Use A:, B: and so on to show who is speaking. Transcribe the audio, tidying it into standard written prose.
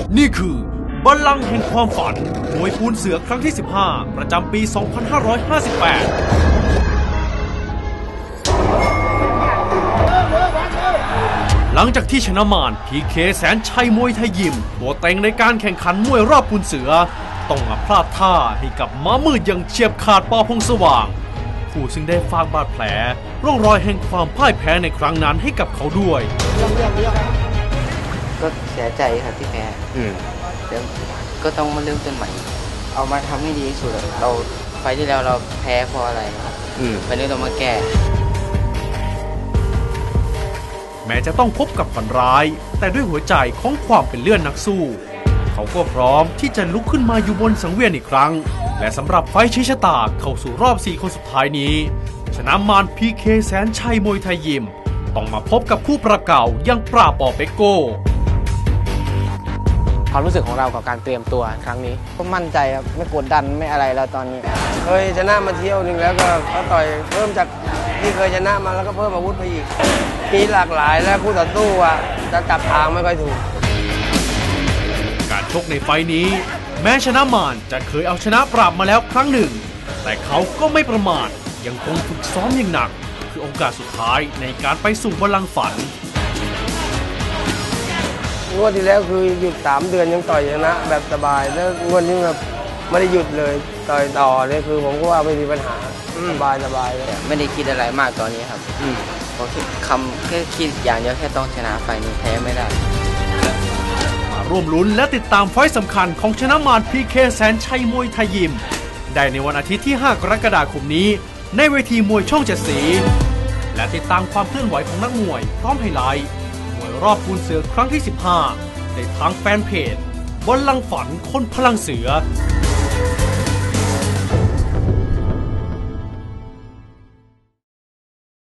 A: นี่คือบัลลังก์แห่งความฝันมวยปูนเสือครั้งที่ 15 ประจำปี 2558 หลังจากที่ชนะมารพีเคแสนชัยมวยไทยยิมตัวเต็งในการแข่งขันมวยรอบปูนเสือต้องมาพลาดท่าให้กับม้ามืดอย่างเฉียบขาดปอพงษ์สว่างผู้ซึ่งได้ฝากบาดแผลร่องรอยแห่งความพ่ายแพ้ในครั้งนั้นให้กับเขาด้วย
B: ก็เสียใจครับที่แพ้แล้วก็ต้องมาเริ่มต้นใหม่เอามาทำให้ดีที่สุดเราไฟที่แล้วเราแพ้เพราะอะไรวันนี้เรามาแก้
A: แม้จะต้องพบกับฝันร้ายแต่ด้วยหัวใจของความเป็นเลื่อนนักสู้เขาก็พร้อมที่จะลุกขึ้นมาอยู่บนสังเวียนอีกครั้งและสำหรับไฟชี้ชะตาเข้าสู่รอบ 4 คนสุดท้ายนี้ชนะมารพีเคแสนชัยมวยไทยยิมต้องมาพบกับคู่ปรับเก่าอย่างปราบปอเปโก้
C: ความรู้สึกของเรากับการเตรียมตัวครั้งนี้
B: ก็มั่นใจครับไม่กดดันไม่อะไรแล้วตอนนี้
D: เคยชนะมาเที่ยวหนึ่งแล้วก็ต่อยเพิ่มจากที่เคยชนะมาแล้วก็เพิ่มอาวุธไปอีกมีหลากหลายและคู่ต่อสู้จะจับทางไม่ค่อยถูก
A: การชกในไฟนี้แม้ชนะมารจะเคยเอาชนะปราบมาแล้วครั้งหนึ่งแต่เขาก็ไม่ประมาทยังคงฝึกซ้อมอย่างหนักคือโอกาสสุดท้ายในการไปสู่บัลลังก์ฝัน
D: งวดที่แล้วคือหยุด3 เดือนยังต่อยชนะแบบสบายแล้วงวดนี้แบบไม่ได้หยุดเลยต่อยต่อเนี่ยคือผมก็ว่าไม่มีปัญหาสบายเลย
B: ไม่ได้คิดอะไรมากตอนนี้ครับผมแค่คิดอย่างเดียวแค่ต้องชนะไฟนี้แพ้ไม่ได้
A: มาร่วมลุ้นและติดตามไฟต์สำคัญของชนะมารพีเคแสนชัยมวยไทยยิมได้ในวันอาทิตย์ที่ 5 กรกฎาคมนี้ในเวทีมวยช่อง7 สีและติดตามความเคลื่อนไหวของนักมวยพร้อมไฮไลท์มวยรอบปูนเสือครั้งที่ 15ในทางแฟนเพจบัลลังก์ฝันคนพลังเสือ